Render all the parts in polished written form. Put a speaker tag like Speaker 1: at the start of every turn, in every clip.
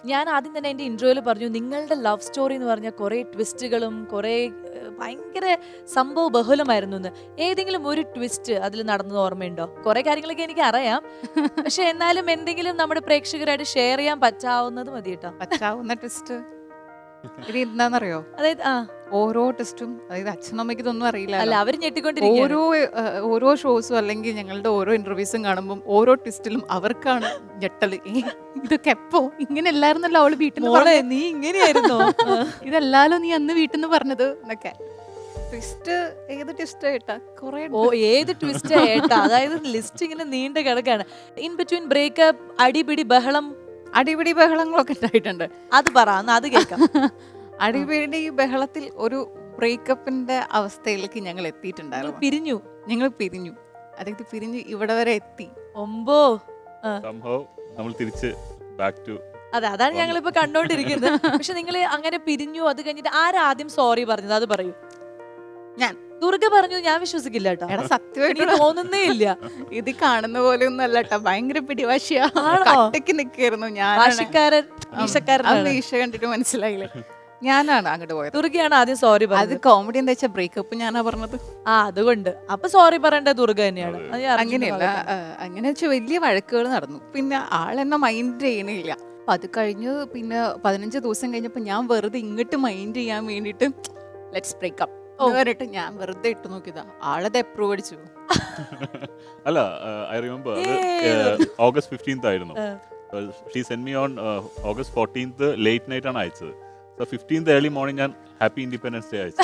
Speaker 1: ഞാൻ ആദ്യം തന്നെ എൻ്റെ ഇൻട്രോയിൽ പറഞ്ഞു നിങ്ങളുടെ ലവ് സ്റ്റോറി എന്ന് പറഞ്ഞാൽ കുറേ ട്വിസ്റ്റുകളും കുറേ ഭയങ്കര സംഭവ ബഹുലമായിരുന്നു എന്ന്. ഏതെങ്കിലും ഒരു ട്വിസ്റ്റ് അതിൽ നടന്നത് ഓർമ്മയുണ്ടോ? കുറേ കാര്യങ്ങളൊക്കെ എനിക്ക് അറിയാം, പക്ഷെ എന്നാലും എന്തെങ്കിലും നമ്മുടെ പ്രേക്ഷകരായിട്ട് ഷെയർ ചെയ്യാൻ പറ്റാവുന്നത് മതി കേട്ടോ.
Speaker 2: പറ്റാവുന്ന ട്വിസ്റ്റ് ഇത് എന്താണെന്നറിയോ?
Speaker 1: അതായത്
Speaker 2: ഓരോ ടെസ്റ്റും, അതായത് അച്ഛനമ്മയ്ക്ക് ഇതൊന്നും അറിയില്ല.
Speaker 1: അല്ല, അവർ ഞെട്ടിക്കൊണ്ടിരിക്കുകയാണ്.
Speaker 2: ഓരോ ഷോസും അല്ലെങ്കിൽ ഞങ്ങളുടെ ഓരോ ഇന്റർവ്യൂസും കാണുമ്പോൾ ഓരോ ട്വിസ്റ്റിലും അവർക്കാണ് ഞെട്ടല്. ഇതൊക്കെ എപ്പോ ഇങ്ങനെ എല്ലായിരുന്നല്ലോ അവള് വീട്ടിൽ
Speaker 1: മോളെ നീ ഇങ്ങനെയായിരുന്നോ?
Speaker 2: ഇതല്ലാലോ നീ അന്ന് വീട്ടിൽ നിന്ന് പറഞ്ഞത് എന്നൊക്കെ. ട്വിസ്റ്റ്, ഏത് ട്വിസ്റ്റ് ഏട്ടാ? കുറെ
Speaker 1: ഏത് ട്വിസ്റ്റ് ഏട്ടാ? അതായത് ലിസ്റ്റ് ഇങ്ങനെ നീണ്ട കിടക്കാണ്. ഇൻ ബിറ്റ്വീൻ ബ്രേക്കപ്പ്, അടിപിടി ബഹളം,
Speaker 2: അടിപിടി ബഹളങ്ങളൊക്കെ ഉണ്ടായിട്ടുണ്ട്.
Speaker 1: അത് പറ, അത് കേൾക്കാം.
Speaker 2: അടിപിടി ബഹളത്തിൽ ഒരു ബ്രേക്കപ്പിന്റെ അവസ്ഥയിലേക്ക് ഞങ്ങൾ എത്തിയിട്ടുണ്ടായിരുന്നു. ഞങ്ങൾ പിരിഞ്ഞു, അതായത് പിരിഞ്ഞു ഇവിടെ വരെ എത്തി.
Speaker 1: ഒമ്പോ
Speaker 3: നമ്മൾ തിരിച്ച് ബാക്ക് ടു
Speaker 1: അതാണ് ഞങ്ങളിപ്പോ കണ്ടോണ്ടിരിക്കുന്നത്. പക്ഷെ നിങ്ങൾ അങ്ങനെ പിരിഞ്ഞു, അത് കഴിഞ്ഞിട്ട് ആരാദ്യം സോറി പറഞ്ഞത്? അത് പറയൂ.
Speaker 2: ഞാൻ.
Speaker 1: ദുർഗ പറഞ്ഞു. ഞാൻ വിശ്വസിക്കില്ല കേട്ടോ.
Speaker 2: സത്യമായിട്ട്
Speaker 1: തോന്നുന്നേ ഇല്ല.
Speaker 2: ഇത് കാണുന്ന പോലെ ഒന്നും അല്ല കേട്ടോ, ഭയങ്കര പിടിവാശിയാ. നിക്കായിരുന്നു ഞാൻ. ഈശ കണ്ടിട്ട് മനസ്സിലായില്ലേ? ഞാനാണ് അങ്ങോട്ട് പോയത്.
Speaker 1: ദുർഗയാണ് ആദ്യം സോറി പറഞ്ഞത്.
Speaker 2: അത് കോമഡി എന്താ വെച്ചാൽ ബ്രേക്കപ്പ് ഞാനാ പറഞ്ഞത്.
Speaker 1: അതുകൊണ്ട് അപ്പൊ സോറി പറയേണ്ട ദുർഗ തന്നെയാണ്.
Speaker 2: അങ്ങനെയല്ല, അങ്ങനെ വെച്ചാൽ വലിയ വഴക്കുകൾ നടന്നു. പിന്നെ ആളെന്നെ മൈൻഡ് ചെയ്യണില്ല. അപ്പൊ അത് കഴിഞ്ഞ് പിന്നെ 15 ദിവസം കഴിഞ്ഞപ്പോ ഞാൻ വെറുതെ ഇങ്ങോട്ട് മൈൻഡ് ചെയ്യാൻ വേണ്ടിട്ട് ലെറ്റ്സ് ബ്രേക്കപ്പ് പറഞ്ഞിട്ട് ഞാൻ വെറുതെ ഇട്ട് നോക്കിയതാ. ആളത് അപ്രൂവ് അടിച്ചു.
Speaker 3: അല്ല, ഐ റിമെമ്പർ ഓഗസ്റ്റ് 15th ആയിരുന്നു. She send me on August 14th late night ആണ് അയച്ചത്. സോ 15th ഏർലി മോർണിംഗ് ഞാൻ ഹാപ്പി ഇൻഡിപെൻഡൻസ് ഡേ അയച്ചു.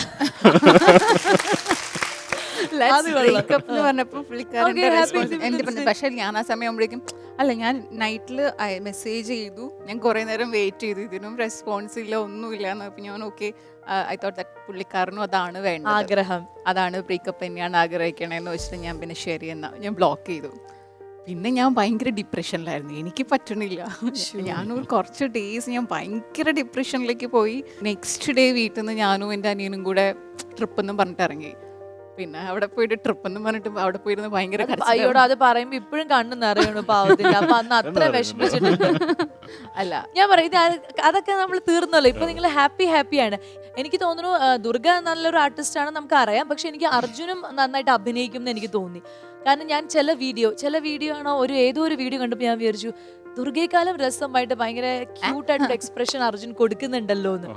Speaker 2: പറഞ്ഞപ്പോ പുള്ളിക്കാരൻ പക്ഷെ ഞാൻ ആ സമയം ആകുമ്പോഴേക്കും അല്ല, ഞാൻ നൈറ്റിൽ മെസ്സേജ് ചെയ്തു. ഞാൻ കുറെ നേരം വെയിറ്റ് ചെയ്തു, ഇതിനും റെസ്പോൺസ് ഇല്ല, ഒന്നുമില്ല. അപ്പൊ ഞാൻ ഓക്കെ, ഐ തോട്ട് ദാറ്റ് പുള്ളിക്കാരനും അതാണ് വേണ്ടത്,
Speaker 1: ആഗ്രഹം
Speaker 2: അതാണ് ബ്രേക്കപ്പ് തന്നെയാണ് ആഗ്രഹിക്കണേന്ന് വെച്ചിട്ട് ഞാൻ പിന്നെ ശരി എന്നാ ഞാൻ ബ്ലോക്ക് ചെയ്തു. പിന്നെ ഞാൻ ഭയങ്കര ഡിപ്രഷനിലായിരുന്നു, എനിക്ക് പറ്റണില്ല. ഞാനൊരു കുറച്ച് ഡേയ്സ് ഞാൻ ഭയങ്കര ഡിപ്രഷനിലേക്ക് പോയി. നെക്സ്റ്റ് ഡേ വീട്ടിൽ നിന്ന് ഞാനും എൻ്റെ അനിയനും കൂടെ ട്രിപ്പ് എന്നും പറഞ്ഞിട്ട് ഇറങ്ങി. പിന്നെ അവിടെ പോയിട്ട് ട്രിപ്പ് എന്നും പറഞ്ഞിട്ട് അവിടെ പോയിരുന്ന് ഭയങ്കര
Speaker 1: അയ്യോട് അത് പറയുമ്പോ ഇപ്പോഴും കണ്ണു നിറയണു പാവത്തില്ല. അപ്പൊ അന്ന് അത്ര വിഷമിച്ചിട്ടുണ്ട്.
Speaker 2: അല്ല
Speaker 1: ഞാൻ പറയും അതൊക്കെ നമ്മൾ തീർന്നല്ലോ. ഇപ്പൊ നിങ്ങൾ ഹാപ്പിയാണ്. എനിക്ക് തോന്നുന്നു ദുർഗ നല്ലൊരു ആർട്ടിസ്റ്റ് ആണ്, നമുക്ക് അറിയാം. പക്ഷെ എനിക്ക് അർജുനും നന്നായിട്ട് അഭിനയിക്കും എന്ന് എനിക്ക് തോന്നി. കാരണം ഞാൻ ചില വീഡിയോ ആണോ ഏതോ ഒരു വീഡിയോ കണ്ടപ്പോൾ ഞാൻ വിചാരിച്ചു ദുർഗയെക്കാളും രസമായിട്ട് ഭയങ്കര ക്യൂട്ടായിട്ടൊരു എക്സ്പ്രഷൻ അർജുൻ കൊടുക്കുന്നുണ്ടല്ലോ എന്ന്.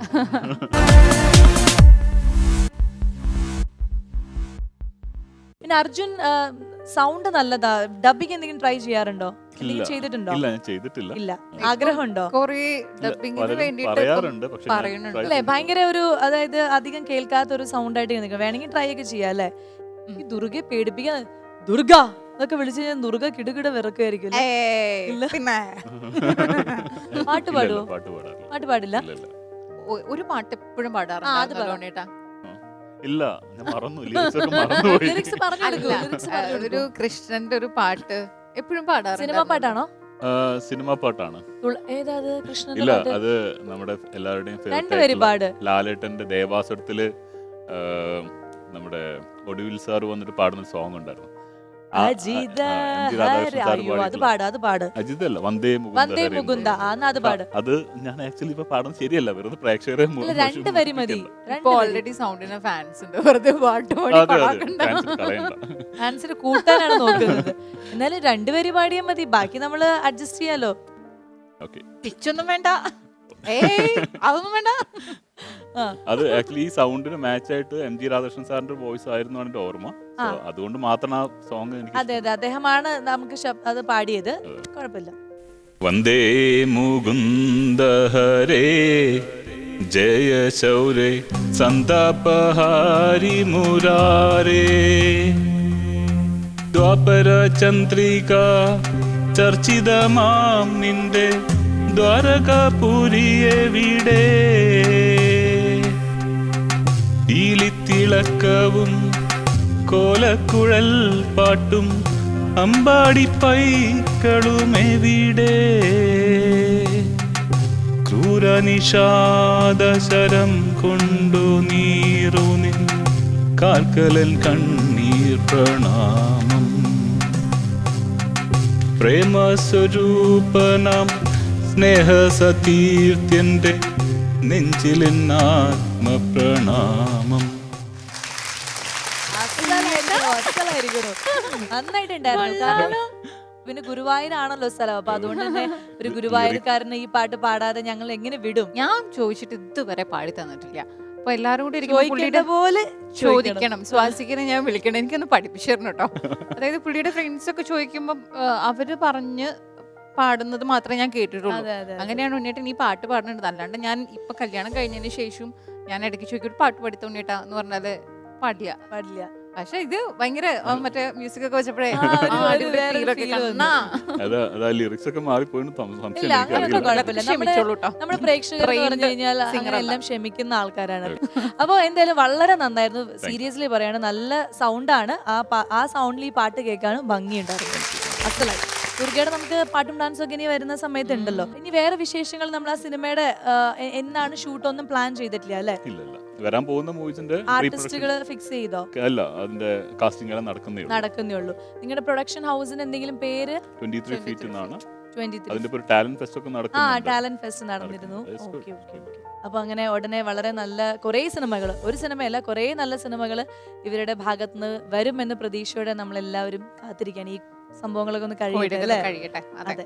Speaker 1: പിന്നെ അർജുൻ സൗണ്ട് നല്ലതാ. ഡബിങ് എന്തെങ്കിലും ട്രൈ ചെയ്യാറുണ്ടോ? ചെയ്തിട്ടുണ്ടോ?
Speaker 3: ഇല്ല, ഞാൻ ചെയ്തിട്ടില്ല.
Speaker 1: ഇല്ല. ആഗ്രഹമുണ്ടോ? അല്ലേ, ഭയങ്കര ഒരു അതായത് അധികം കേൾക്കാത്ത ഒരു സൗണ്ട് ആയിട്ട് നിൽക്കുക. വേണമെങ്കിൽ ട്രൈ ഒക്കെ ചെയ്യാം അല്ലേ? ഈ ദുർഗയെ പേടിപ്പിക്കാൻ ദുർഗ എന്നൊക്കെ വിളിച്ചു ഞാൻ ദുർഗ കിടുകിട വിറക്കുമായിരിക്കും. പാട്ട് പാടുവോ? പാട്ട് പാടില്ല.
Speaker 2: ഒരു പാട്ട് എപ്പോഴും പാടാറുണ്ട്.
Speaker 3: ഇല്ല, ഞാൻ മറന്നു.
Speaker 2: ഒരു കൃഷ്ണന്റെ ഒരു പാട്ട് എപ്പോഴും പാടാറുണ്ട്.
Speaker 1: സിനിമ പാട്ടാണോ?
Speaker 3: സിനിമ പാട്ടാണ്.
Speaker 1: ഏതാ കൃഷ്ണൻ?
Speaker 3: ഇല്ല, അത് നമ്മുടെ എല്ലാവരുടെയും ലാലേട്ടന്റെ ദേവാസുരത്തില് നമ്മുടെ ഒടുവിൽ സാർ വന്നിട്ട് പാടുന്ന സോങ് ഉണ്ടായിരുന്നു.
Speaker 1: അജിത്
Speaker 3: അല്ല, വന്ദേ മുകുന്ദ. അത് ഞാൻ ആക്ച്വലി ഇപ്പൊ പാടുന്നത് ശരിയല്ല, വെറുതെ പ്രേക്ഷകരെ
Speaker 2: ഓൾറെഡി സൗണ്ടിന് ഫാൻസ് ഉണ്ട്, വെറുതെ പാട്ട്
Speaker 1: ഫാൻസിന് കൂട്ടാനാണ് നോക്കുന്നത്. എന്നാലും 2 വരി പാടിയാൽ മതി, ബാക്കി നമ്മള് അഡ്ജസ്റ്റ് ചെയ്യാലോ.
Speaker 2: പിച്ചൊന്നും വേണ്ട, അതൊന്നും വേണ്ട.
Speaker 3: അത് ആക്ച്വലി ഈ സൗണ്ടിന് മാച്ച് ആയിട്ട് MG രാധാകൃഷ്ണൻ സാറിന്റെ വോയിസ് ആയിരുന്നു എന്റെ ഓർമ്മ. അതുകൊണ്ട് മാത്രം ആ സോങ് എനിക്ക്
Speaker 1: അതെ അദ്ദേഹമാണ് നമുക്ക് അത് പാടിയത്. കുഴപ്പമില്ല.
Speaker 3: വന്ദേ മുകുന്ദ ഹരേ ജയ ശൗരേ സന്താപഹാരി മുരാരേ ദ്വാപര ചന്ദ്രിക ചർച്ചിതമാം നിന്റെ ദ്വാരകാപുരിയെവിടെ തിളക്കവും കോലക്കുഴൽ പാട്ടും അമ്പാടി പൈക്കളുമെവിടെ ക്രൂരനിഷാദശരം കൊണ്ടു നീറുനിൻ കാൽക്കലൻ കണ്ണീർ പ്രണാമം പ്രേമസ്വരൂപനാം സ്നേഹസതീർത്ഥ്യന്റെ നെഞ്ചിലെന്നാത്മപ്രണാമം.
Speaker 1: നന്നായിട്ടുണ്ടായിരുന്നു. കാരണം പിന്നെ ഗുരുവായൂരാണല്ലോ സ്ഥലം, അപ്പൊ അതുകൊണ്ട് തന്നെ ഒരു ഗുരുവായൂർക്കാരന് ഈ പാട്ട് പാടാതെ ഞങ്ങൾ എങ്ങനെ വിടും?
Speaker 2: ഞാൻ ചോദിച്ചിട്ട് ഇതുവരെ പാടി തന്നിട്ടില്ല. അപ്പൊ എല്ലാരും കൂടി ഇരിക്കുമ്പോ
Speaker 1: ചോദിക്കേണ്ട
Speaker 2: പുള്ളിയുടെ
Speaker 1: പോലെ
Speaker 2: ചോദിക്കണം, സ്വാസിക്കിനെ ഞാൻ വിളിക്കണം, എനിക്കൊന്ന് പഠിപ്പിച്ചു തരണം കേട്ടോ. അതായത് പുള്ളിയുടെ ഫ്രണ്ട്സ് ഒക്കെ ചോദിക്കുമ്പോ അവര് പറഞ്ഞ് പാടുന്നത് മാത്രമേ ഞാൻ കേട്ടിട്ടുള്ളൂ.
Speaker 1: അതെ, അതെ.
Speaker 2: അങ്ങനെയാണ് ഉണ്ണിയേട്ടൻ ഈ പാട്ട് പാടുന്നത്. അല്ലാണ്ട് ഞാൻ ഇപ്പൊ കല്യാണം കഴിഞ്ഞതിന് ശേഷം ഞാൻ ഇടയ്ക്ക് ചോദിക്കും പാട്ട് പഠിത്ത ഉണ്ണിയേട്ടാ എന്ന് പറഞ്ഞാല് പാടില്ല.
Speaker 1: പാടില്ല.
Speaker 2: പക്ഷെ ഇത് ഭയങ്കര മറ്റേ മ്യൂസിക് ഒക്കെ വെച്ചപ്പോഴേ
Speaker 1: വേറൊരു feel വന്നു.
Speaker 3: ലിറിക്സ് ഒക്കെ മാറിപ്പോയിന്ന് സംശയം
Speaker 1: ഇല്ല, അങ്ങനെയൊന്നും
Speaker 3: എനിക്കറിയില്ല.
Speaker 1: കുഴപ്പമില്ല.
Speaker 2: ക്ഷമിച്ചോളൂ ട്ടോ.
Speaker 1: നമ്മുടെ പ്രേക്ഷകർ എന്ന് പറഞ്ഞു കഴിഞ്ഞാൽ അങ്ങനെ എല്ലാം ക്ഷമിക്കുന്ന ആൾക്കാരാണ്. അപ്പോൾ എന്തായാലും വളരെ നന്നായിരുന്നു. സീരിയസ്ലി പറയാണ്, നല്ല സൗണ്ടാണ്. ആ സൗണ്ടിൽ ഈ പാട്ട് കേൾക്കാനും ഭംഗിയുണ്ടായിരുന്നു. അസലായി. ദുർഗയുടെ നമുക്ക് പാട്ടും ഡാൻസും ഒക്കെ ഇനി വരുന്ന സമയത്ത് ഉണ്ടല്ലോ. ഇനി വേറെ വിശേഷങ്ങൾ നമ്മൾ ആ സിനിമയുടെ എന്നാണ് ഷൂട്ട് ഒന്നും പ്ലാൻ ചെയ്തിട്ടില്ല അല്ലെ?
Speaker 3: ഇല്ല വരാൻ പോകുന്ന മൂവീസിന്റെ
Speaker 1: ആർട്ടിസ്റ്റുകൾ ഫിക്സ് ചെയ്തോ?
Speaker 3: അല്ല, അതിന്റെ കാസ്റ്റിംഗ് എല്ലാം
Speaker 1: നടക്കുന്നേ ഉള്ളൂ. നിങ്ങളുടെ പ്രൊഡക്ഷൻ ഹൗസിന് എന്തെങ്കിലും പേര്?
Speaker 3: 23 ഫീറ്റ് എന്നാണ്.
Speaker 1: 23.
Speaker 3: അതിന്റെ ഒരു ടാലന്റ് ഫെസ്റ്റ് ഒക്കെ
Speaker 1: ആ,
Speaker 3: നടക്കുന്നുണ്ട്.
Speaker 1: ടാലന്റ് ഫെസ്റ്റ് നടന്നിരുന്നു.
Speaker 3: That's good.
Speaker 1: ഓക്കെ. അപ്പൊ അങ്ങനെ ഉടനെ വളരെ നല്ല കുറേ സിനിമകൾ, ഒരു സിനിമയല്ല കുറേ നല്ല സിനിമകൾ ഇവരുടെ ഭാഗത്തുനിന്ന് വരുമെന്ന പ്രതീക്ഷയോടെ നമ്മളെല്ലാവരും കാത്തിരിക്കുകയാണ്. ഈ സംഭവങ്ങളൊക്കെ ഒന്ന് കഴിയട്ടെ അല്ലേ?
Speaker 2: കഴിയട്ടെ.
Speaker 1: അതെ.